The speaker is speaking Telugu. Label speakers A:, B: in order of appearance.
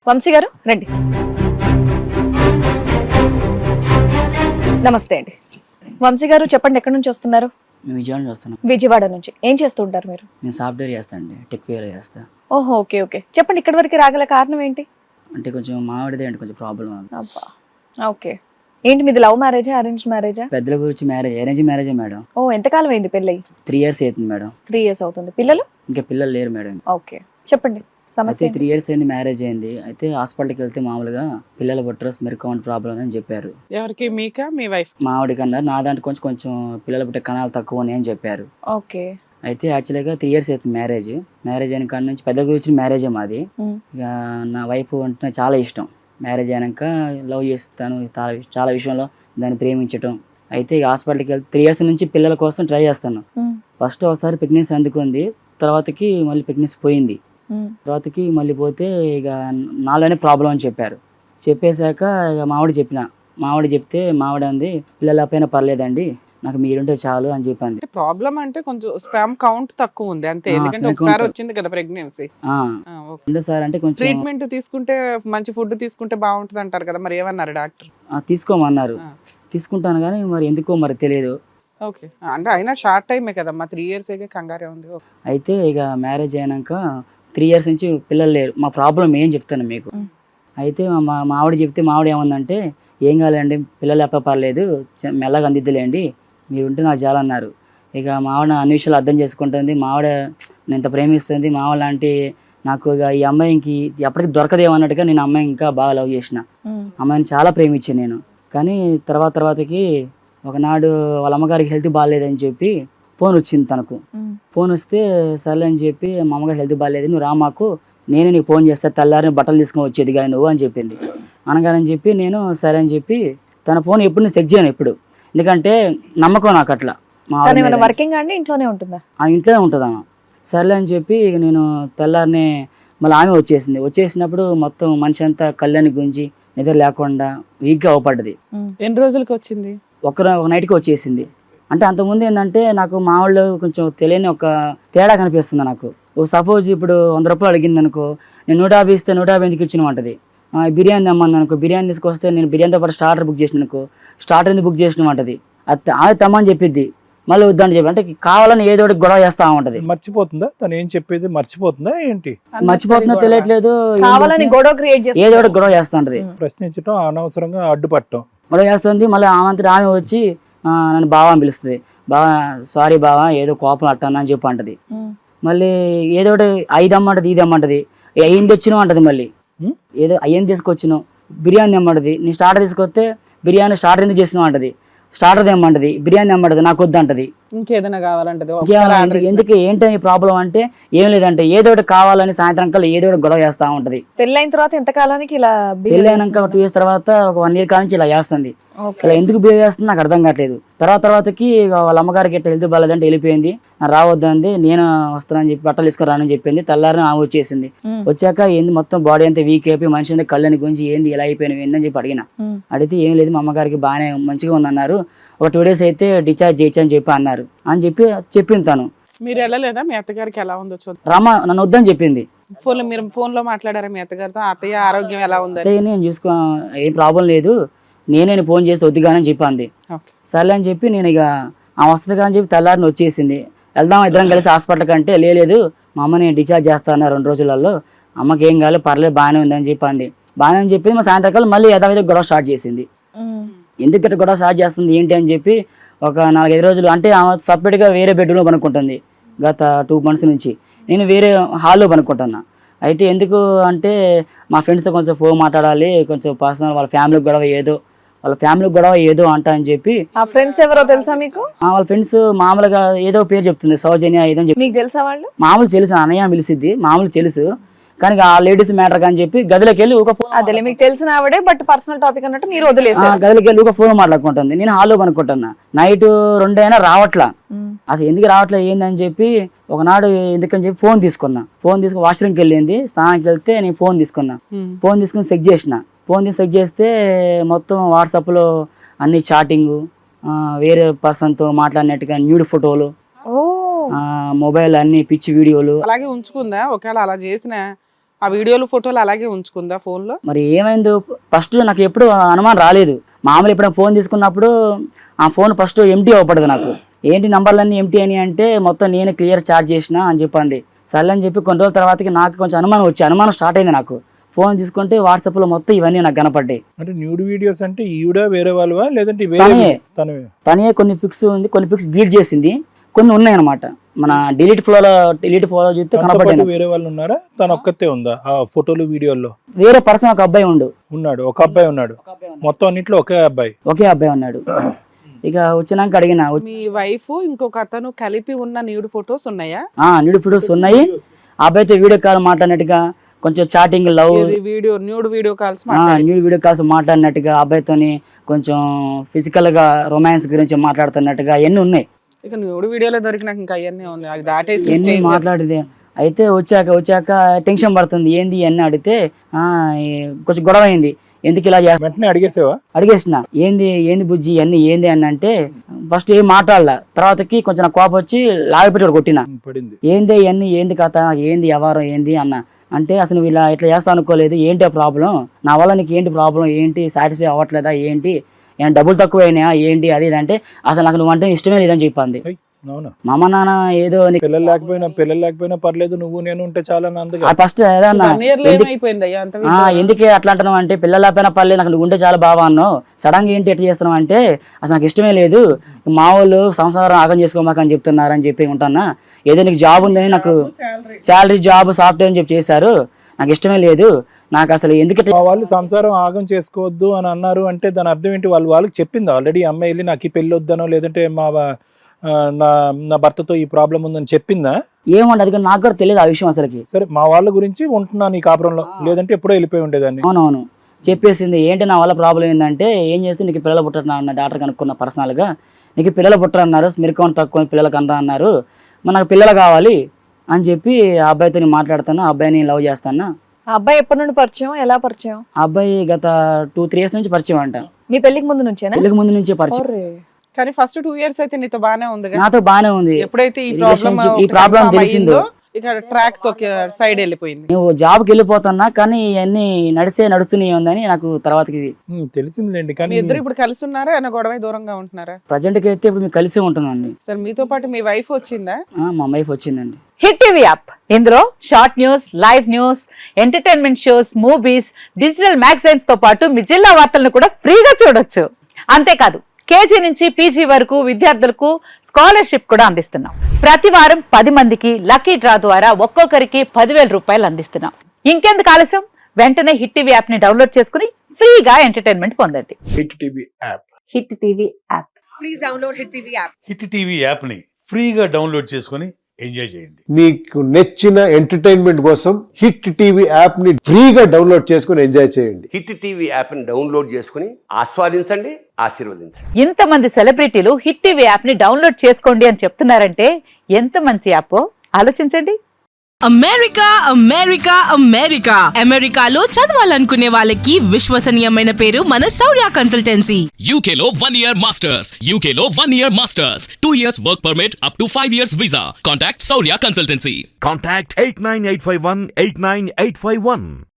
A: వంశీ గారు రండి. నమస్తే అండి. వంశీ గారు చెప్పండి, ఎక్కడి నుంచి వస్తున్నారు?
B: మేము విజయవాడ నుంచి వస్తున్నాం.
A: విజయవాడ నుంచి. ఏం చేస్తూ ఉంటారు మీరు?
B: నేను సాఫ్ట్వేర్ చేస్తాను అండి, టెక్ వేలో చేస్తా.
A: ఓహో, ఓకే ఓకే. చెప్పండి, ఇక్కడి వరకు రాగల కారణం ఏంటి?
B: అంటే కొంచెం మావాడిదే అండి కొంచెం ప్రాబ్లం.
A: అబ్బా, ఓకే. ఏంటి మీది లవ్ మ్యారేజా, అరేంజ్ మ్యారేజా?
B: పెద్దల గురించి మ్యారేజ్, అరేంజ్ మ్యారేజే మేడం.
A: ఓ, ఎంతకాలం అయింది పెళ్ళి?
B: 3 years అవుతుంది మేడం.
A: 3 years అవుతుంది. పిల్లలు?
B: ఇంకా పిల్లలు లేరు మేడం.
A: ఓకే, చెప్పండి సమస్య.
B: అయితే 3 years అయింది మ్యారేజ్ అయింది. అయితే హాస్పిటల్కి వెళ్తే మామూలుగా పిల్లల బుట్రస్ మెరుకౌంట్ ప్రాబ్లం అని చెప్పారు.
C: ఎవరికి? మీకా మీ వైఫ్?
B: మా ఆవిడకి అన్నారు. నా దాంట్లో కొంచెం పిల్లల పుట్టే కణాలు తక్కువ అని చెప్పారు.
A: ఓకే.
B: అయితే యాక్చువల్గా 3 years అవుతుంది మ్యారేజ్ అయిన కాడ నుంచి పెద్దల గురించి మ్యారేజే మాది. ఇక నా వైఫ్ అంటే చాలా ఇష్టం. మ్యారేజ్ అయినాక లవ్ చేస్తాను చాలా విషయంలో దాన్ని ప్రేమించటం. అయితే ఇక హాస్పిటల్కి వెళ్తే 3 years నుంచి పిల్లల కోసం ట్రై చేస్తాను. ఫస్ట్ ఒకసారి ప్రెగ్నెన్సీ అందుకుంది, తర్వాతకి మళ్ళీ ప్రెగ్నెన్సీ పోయింది. తర్వాతకి మళ్ళీ పోతే ఇక నాలోనే ప్రాబ్లం అని చెప్పారు. చెప్పేశాక ఇక మావిడ చెప్తే మావిడ అంది, పిల్లల పైన పర్లేదండి, నాకు మీరుంటే చాలు అని చెప్పింది.
C: ప్రాబ్లం అంటే కొంచెం స్పామ్ కౌంట్ తక్కువ ఉంది అంతే. ఎందుకంటే ఒకసారి వచ్చింది కదా ప్రెగ్నెన్సీ.
B: సార్ అంటే కొంచెం
C: ట్రీట్మెంట్ తీసుకుంటే మంచి ఫుడ్ తీసుకుంటే బాగుంటుంది అంటారు కదా, మరి ఏమన్నారు డాక్టర్?
B: తీసుకోమన్నారు. తీసుకుంటాను కానీ మరి ఎందుకో మరి తెలియదు.
C: ఓకే, అంటే అయినా షార్ట్ టైమే కదమ్మా, 3 years కంగారే ఉంది.
B: అయితే ఇక మ్యారేజ్ అయినాక 3 years నుంచి పిల్లలు లేరు. మా ప్రాబ్లం ఏం చెప్తాను మీకు. అయితే మా ఆవిడ చెప్తే మావిడ ఏమందంటే, ఏం కాలేండి, పిల్లలు ఎప్ప పర్లేదు, మెల్లగా అందిద్దులేండి, మీరు ఉంటే నాకు చాలన్నారు. ఇక మావిడ అన్ని విషయాలు అర్థం చేసుకుంటుంది. మావిడ నేను ఇంత ప్రేమిస్తుంది. మావిడ లాంటి నాకు ఇక ఈ అమ్మాయికి ఎప్పటికీ దొరకదేమన్నట్టుగా నేను అమ్మాయి ఇంకా బాగా లవ్ చేసిన. అమ్మాయిని చాలా ప్రేమించాను నేను. కానీ తర్వాతకి ఒకనాడు వాళ్ళ అమ్మగారికి హెల్త్ బాగాలేదని చెప్పి ఫోన్ వచ్చింది తనకు. ఫోన్ వస్తే సర్లే అని చెప్పి, మా అమ్మగారు హెల్త్ బాగాలేదు, నువ్వు రా మాకు, నేనే నీకు ఫోన్ చేస్తా, తెల్లారిని బట్టలు తీసుకొని వచ్చేది కానీ నువ్వు అని చెప్పింది. అనగానని చెప్పి నేను సరే అని చెప్పి, తన ఫోన్ ఎప్పుడు నేను చెక్ చేయను ఎప్పుడు, ఎందుకంటే నమ్మకం నాకు అట్లా.
A: వర్కింగ్ అండి, ఇంట్లోనే ఉంటుందా?
B: ఇంట్లోనే ఉంటుంది ఆమె. సర్లే అని చెప్పి నేను తెల్లారిని మళ్ళీ ఆమె వచ్చేసినప్పుడు మొత్తం మనిషి అంతా కళ్ళని గుంజి నిద్ర లేకుండా వీక్గా అవపడ్డది.
C: ఎన్ని రోజులకి వచ్చింది?
B: ఒక నైట్కి వచ్చేసింది. అంటే అంతకుముందు ఏంటంటే నాకు మా వాళ్ళు కొంచెం తెలియని ఒక తేడా కనిపిస్తుంది నాకు. సపోజ్ ఇప్పుడు 100 రూపాయలు అడిగింది అనుకో, నేను 150 ఇస్తే 150 ఎందుకు ఇచ్చినమంటది. బిర్యానీ తెమ్మని అనుకో, బిర్యానీ తీసుకొస్తే నేను బిర్యానీతో పాటు స్టార్టర్ బుక్ చేసిన అనుకో, స్టార్టర్ ఎందుకు బుక్ చేసినమంటది. అది తెమ్మని చెప్పిద్ది, మళ్ళీ వద్దని చెప్పి, అంటే కావాలని ఏదో ఒకటి గొడవ చేస్తా ఉంటది.
D: మర్చిపోతుందా తను ఏం చెప్పేది? మర్చిపోతుందా ఏంటి?
B: మర్చిపోతుందో తెలియట్లేదు, ఏదో ఒకటి గొడవ చేస్తా ఉంటది.
D: ప్రశ్నించడం, అనవసరంగా అడ్డుపట్టడం,
B: గొడవ చేస్తుంది. మళ్ళీ ఆమె వచ్చి నన్ను బావా అని పిలుస్తుంది. బావా సారీ బావా, ఏదో కోపం అట్టాను అని చెప్పి అంటది. మళ్ళీ ఏదో ఒకటి 5 అమ్మంటది, ఇది అమ్మంటది, అయ్యింది వచ్చినావు అంటది. మళ్ళీ ఏదో అయ్యింది తీసుకొచ్చినావు, బిర్యానీ అమ్మంటది. నేను స్టార్టర్ తీసుకొస్తే బిర్యానీ స్టార్టర్ ఎందుకు చేసినావు అంటది. స్టార్టర్ తెమ్మంటది, బిర్యానీ తెమ్మంటది, నాకు వద్దంటది.
C: ఇంకేదైనా కావాలంటది.
B: ఎందుకు ఏంటని ప్రాబ్లం అంటే ఏం లేదంటే ఏదో ఒకటి కావాలని సాయంత్రం కల్లా ఏదో ఒకటి గొడవ చేస్తా ఉంటది.
A: పెళ్ళైన తర్వాత ఎంత కాలానికి ఇలా?
B: పెళ్ళైనాక 2 years తర్వాత ఒక 1 year కాల నుంచి ఇలా చేస్తుంది. ఇలా ఎందుకు బిహేవ్ చేస్తుంది నాకు అర్థం కావట్లేదు. తర్వాతకి వాళ్ళ అమ్మగారికి ఎట్లా హెల్త్ బాగాలేదంటే వెళ్ళిపోయింది. రావద్దంది, నేను వస్తానని చెప్పి బట్టలు తీసుకురానని చెప్పింది. తెల్లారిని ఆమె వచ్చేసింది. వచ్చాక ఏంది మొత్తం బాడీ అంతా వీక్ అయిపోయి మనిషి అంతా కళ్ళని గురించి ఏంది ఇలా అయిపోయినవి ఏందని చెప్పి అడిగిన. అడిగితే ఏం లేదు, మా అమ్మగారికి బాగానే మంచిగా ఉందన్నారు, ఒక 2 days అయితే డిశ్చార్జ్ చేయొచ్చు అని చెప్పి అన్నారు అని చెప్పి చెప్పింది తను.
C: మీరు వెళ్ళలేదా? మీ అత్తగారికి ఎలా ఉందో చూద్దాం.
B: రమ్మ నన్ను వద్దని చెప్పింది.
C: మీరు ఫోన్ లో మాట్లాడారా మీ అత్తగారితో? అత్తయ్య ఆరోగ్యం ఎలా ఉంది?
B: నేను చూసుకో, ఏం ప్రాబ్లం లేదు, నేనే ఫోన్ చేస్తే వద్దుగానని చెప్పింది. సర్లే అని చెప్పి నేను ఇక ఆ వస్తుంది కానీ చెప్పి తెల్లారిని వచ్చేసింది. వెళ్దాం ఇద్దరం కలిసి హాస్పిటల్ కంటే, లేదు మా అమ్మని డిశ్చార్జ్ చేస్తాను 2 రోజులలో, అమ్మకి ఏం కాలేదు పర్లేదు బాగానే ఉందని చెప్పింది. బాగానే అని చెప్పి మా సాయంత్రకాలం మళ్ళీ యథావిధ గొడవ స్టార్ట్ చేసింది. ఎందుకంటే గొడవ స్టార్ట్ చేస్తుంది ఏంటి అని చెప్పి ఒక 4-5 రోజులు, అంటే ఆమె సపరేట్గా వేరే బెడ్రూమ్లో పనుక్కుంటుంది గత 2 months నుంచి. నేను వేరే హాల్లో పనుక్కుంటున్నా. అయితే ఎందుకు అంటే మా ఫ్రెండ్స్తో కొంచెం ఫోన్ మాట్లాడాలి, కొంచెం పర్సనల్, వాళ్ళ ఫ్యామిలీ గొడవ ఏదో అంట అని చెప్పి.
A: ఆ ఫ్రెండ్స్ ఎవరో తెలుసా మీకు?
B: వాళ్ళ ఫ్రెండ్స్ మామూలుగా ఏదో పేరు చెప్తుంది, సౌజన్య ఏదో చెప్పి.
A: మీకు తెలుసా వాళ్ళు?
B: మామూలు తెలుసు, అన్నయ్య పిలిచిద్ది, మామూలు తెలుసు. కానీ ఆ లేడీస్ మ్యాటర్ అని చెప్పి గదిలోకి వెళ్ళి ఒక ఫోన్,
A: అదే మీకు తెలిసిన ఆవిడే బట్ పర్సనల్ టాపిక్ అన్నట్టు మీరు వదిలేసారు.
B: గదిలోకి వెళ్ళి ఒక ఫోన్ మాట్లాడుకుంటుంది. నేను హాల్లో పనుకుంటున్నా. నైట్ 2 అయినా రావట్లా. అసలు ఎందుకు రావట్లేదు ఏందని చెప్పి ఒకనాడు ఎందుకని చెప్పి ఫోన్ తీసుకుని వాష్రూమ్కి వెళ్ళింది. స్నానానికి వెళ్తే నేను ఫోన్ తీసుకుని చెక్ చేస్తే మొత్తం వాట్సాప్లో అన్ని చాటింగ్, వేరే పర్సన్తో మాట్లాడినట్టుగా న్యూడ్ ఫోటోలు, మొబైల్ అన్ని పిచ్చి వీడియోలు.
C: అలాగే ఉంచుకుందా? ఒకవేళ అలా చేసిన ఆ వీడియోలు ఫోటోలు అలాగే ఉంచుకుందా ఫోన్ లో?
B: మరి ఏమైందో ఫస్ట్ నాకు ఎప్పుడు అనుమానం రాలేదు. మామూలు ఎప్పుడైనా ఫోన్ తీసుకున్నప్పుడు ఆ ఫోన్ ఫస్ట్ ఎంటీ అవ్వబడదు నాకు. ఏంటి నంబర్లన్నీ ఎంటీ అని అంటే మొత్తం నేనే క్లియర్ చార్జ్ చేసిన అని చెప్పింది. సర్లే అని చెప్పి కొన్ని రోజుల తర్వాతకి నాకు కొంచెం అనుమానం స్టార్ట్ అయింది. నాకు ఫోన్ తీసుకుంటే వాట్సాప్ లో మొత్తం ఇవన్నీ నాకు కనపడ్డాయి.
D: అంటే న్యూడ్ వీడియోస్ అంటే ఈవిడ వేరే వాళ్ళవా లేదంటే
B: తనే కొన్ని పిక్స్ ఉంది, కొన్ని పిక్స్ డిలీట్ చేసింది, కొన్ని ఉన్నాయి అనమాట. మన డిలీట్ ఫ్లో చూస్తే కనపడ్డాయి.
D: వేరే వాళ్ళు ఉన్నారా? తన ఒక్కతే ఉందా ఆ ఫోటోలు వీడియోల్లో?
B: వేరే పర్సన్ ఒక అబ్బాయి ఉన్నాడు.
D: ఒక అబ్బాయి ఉన్నాడు. మొత్తం అన్నింటిలో ఒకే అబ్బాయి ఉన్నాడు. ఇక వచ్చినాక అడిగిన,
C: మీ వైఫ్ ఇంకొక అతను కలిపి ఉన్న న్యూడ్ ఫొటోస్ ఉన్నాయా?
B: న్యూడ్ ఫొటోస్ ఉన్నాయి. ఆ అబ్బాయితో వీడియో కాల్ మాట్లాడినట్టుగా, కొంచెం chatting love
C: nude video calls
B: మాట్లాడినట్టుగా, అబ్బాయితోని కొంచెం ఫిజికల్ గా రొమాన్స్ గురించి మాట్లాడుతున్నట్టుగా ఎన్ని ఉన్నాయి.
C: ఇక న్యూడ్ వీడియోలో దొరికినాక ఇంకా అవన్నీ ఉంది, అది దాటేసి
B: మాట్లాడితే. అయితే వచ్చాక టెన్షన్ పడుతుంది. ఏంది అన్నీ అడిగితే కొంచెం గొడవ అయింది. ఎందుకు ఇలా
D: వెంటనే
B: అడిగేసిన ఏంది బుజ్జి అన్ని ఏంది అని అంటే ఫస్ట్ ఏం మాట్లాడలా. తర్వాతకి కొంచెం నాకు కోపం వచ్చి లాగపెట్టి కొట్టిన. ఏంది ఇవన్నీ, ఏంది కథ, ఏంది వ్యవహారం ఏంది అన్న అంటే, అసలు నువ్వు ఇలా ఇట్లా చేస్తా అనుకోలేదు, ఏంటి ఆ ప్రాబ్లం, నా వల్ల నీకు ఏంటి ప్రాబ్లం, ఏంటి సాటిస్ఫై అవ్వట్లేదా, ఏంటి ఏమైనా డబ్బులు తక్కువైనాయా, ఏంటి అది అంటే అసలు నాకు నువ్వు అంటే ఇష్టమే లేదని చెప్పింది. మా అమ్మ నాన్న ఏదో
D: పిల్లలు లేకపోయినా పర్లేదు, నువ్వు నేను ఉంటే చాలా
B: ఫస్ట్ ఎందుకే అట్లా అంటున్నావు అంటే, పిల్లలు లేకపోయినా పర్లేదు, నాకు నువ్వు ఉంటే చాలా బాగా అన్నావు, సడన్ గా ఏంటి ఎట్లా చేస్తున్నావు అంటే అసలు నాకు ఇష్టమే లేదు, మా వాళ్ళు సంసారం ఆగం చేసుకోమాకని చెప్తున్నారని చెప్పి ఉంటున్నా. ఏదో నీకు జాబ్ ఉందని, నాకు శాలరీ జాబ్ సాఫ్ట్వేర్ అని చెప్పి చేశారు, నాకు ఇష్టమే లేదు, నాకు అసలు ఎందుకు
D: వాళ్ళు సంసారం ఆగం చేసుకోవద్దు అని అన్నారు అంటే దాని అర్థం ఏంటి? వాళ్ళకి చెప్పింది ఆల్రెడీ అమ్మాయి వెళ్ళి నాకు ఈ పెళ్లి వద్దనో లేదంటే నా భర్తతో ఈ ప్రాబ్లం ఉందని చెప్పిందా?
B: ఏమంటే అది నాకు కూడా తెలియదు ఆ విషయం అసలుకి.
D: సరే, మా వాళ్ళ గురించి ఉంటున్నాను ఈ కాపురంలో, లేదంటే ఎప్పుడో వెళ్ళిపోయి ఉండేదాన్ని.
B: అవునవును చెప్పేసింది. ఏంటి నా వల్ల ప్రాబ్లం ఏంటంటే, ఏం చేస్తే నీకు పిల్లలు పుట్టరు అన్న డాక్టర్ కనుక్కున్న పర్సనల్ గా, నీకు పిల్లలు పుట్టరు అన్నారు, స్మిర్కౌంట్ తక్కువ పిల్లలకు అంతా అన్నారు, మరి నాకు పిల్లలు కావాలి అని చెప్పి ఆ అబ్బాయితో మాట్లాడుతాను. ఆ అబ్బాయిని లవ్ చేస్తాను.
A: ఆ అబ్బాయి ఎప్పటి నుండి పరిచయం, ఎలా పరిచయం?
B: ఆ అబ్బాయి గత 2-3 years నుంచి పరిచయం అంట.
A: మీ పెళ్లికి ముందు నుంచేనా?
B: పెళ్లికి ముందు నుంచే పరిచయం.
C: కానీ ఫస్ట్ 2 years అయితే నీతో బానే ఉంది.
B: నాతో బానే ఉంది.
C: ఎప్పుడైతే ఈ ప్రాబ్లం తెలిసిందో ఇక ట్రాక్ తో సైడ్ వెళ్ళిపోయింది.
B: నువ్వు జాబ్కి వెళ్ళిపోతున్నా కానీ ఇవన్నీ నడుస్తూనే ఉందని నాకు తర్వాతకి
D: తెలిసిందిలేండి. కానీ
C: ఇద్దరు ఇప్పుడు కలిసి ఉన్నారా, ఏమైనా గొడవ దూరంగా ఉంటున్నారా?
B: ప్రజెంట్ కి అయితే ఇప్పుడు మేము కలిసి ఉంటున్నాండి.
C: సార్ మీతో పాటు మీ వైఫ్ వచ్చిందా?
B: మా వైఫ్ వచ్చిందండి.
E: హిట్ టీవీ యాప్, ఇందులో short news, live news, entertainment shows, movies, digital magazines తో పాటు మీ జిల్లా వార్తలను కూడా ఫ్రీగా చూడొచ్చు. అంతేకాదు కేజీ నుంచి పీజీ వరకు విద్యార్థులకు స్కాలర్షిప్ కూడా అందిస్తున్నాం. ప్రతి వారం 10 మందికి లక్కీ డ్రా ద్వారా ఒక్కొక్కరికి 10,000 రూపాయలు అందిస్తున్నాం. ఇంకెందుకు ఆలస్యం, వెంటనే హిట్ టీవీ యాప్ ని డౌన్లోడ్ చేసుకుని ఫ్రీగా ఎంటర్టైన్మెంట్ పొందండి.
F: Hit TV app.
E: Hit TV app.
G: Please download Hit TV app.
F: Hit TV app ని ఫ్రీగా డౌన్లోడ్ చేసుకొని ఎంజాయ్ చేయండి.
H: మీకు నచ్చిన ఎంటర్టైన్మెంట్ కోసం హిట్ టీవీ యాప్ ని ఫ్రీగా డౌన్లోడ్ చేసుకుని ఎంజాయ్ చేయండి.
I: హిట్ టీవీ యాప్ ని డౌన్లోడ్ చేసుకుని ఆస్వాదించండి, ఆశీర్వదించండి.
E: ఇంతమంది సెలబ్రిటీలు హిట్ టీవీ యాప్ ని డౌన్లోడ్ చేసుకోండి అని చెప్తున్నారంటే ఎంత మంచి యాప్ ఆలోచించండి.
G: అమెరికా అమెరికా అమెరికా అమెరికాలో చదవాలనుకునే వాళ్ళకి విశ్వసనీయమైన పేరు మన శౌర్య కన్సల్టెన్సీ.
J: UK లో 1 year masters, UK లో 1 year masters, 2 years work permit up to 5 years visa. Contact Saurya Consultancy.
K: Contact 89851 89851.